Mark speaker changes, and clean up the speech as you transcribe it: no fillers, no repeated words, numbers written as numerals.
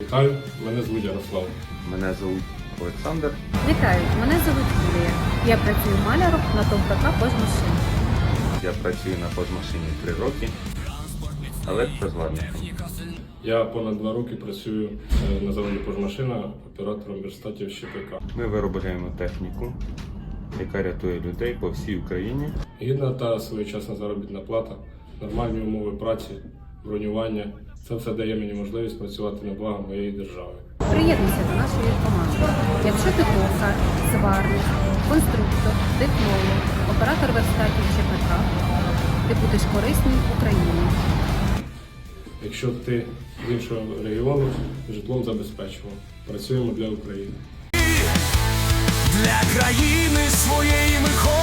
Speaker 1: Вітаю, мене звуть Ярослав.
Speaker 2: Мене звуть Олександр.
Speaker 3: Вітаю, мене звуть Юлія. Я працюю маляром на ТОВ ПК «Пожмашин».
Speaker 2: Я працюю на пожмашині 3 роки, електрозварником.
Speaker 1: Я понад 2 роки працюю на заводі «Пожмашина» оператором верстатів ЩПК.
Speaker 2: Ми виробляємо техніку, яка рятує людей по всій Україні.
Speaker 1: Гідна та своєчасна заробітна плата, нормальні умови праці, бронювання – це все дає мені можливість працювати на благо моєї держави.
Speaker 3: Приєднуйся до нашої команди. Якщо ти токар, сварник, конструктор, технолог, оператор верстатів ЧПК, ти будеш корисним Україні.
Speaker 1: Якщо ти з іншого регіону, житлом забезпечував. Працюємо для України.
Speaker 4: Для країни своєї ми ходимо.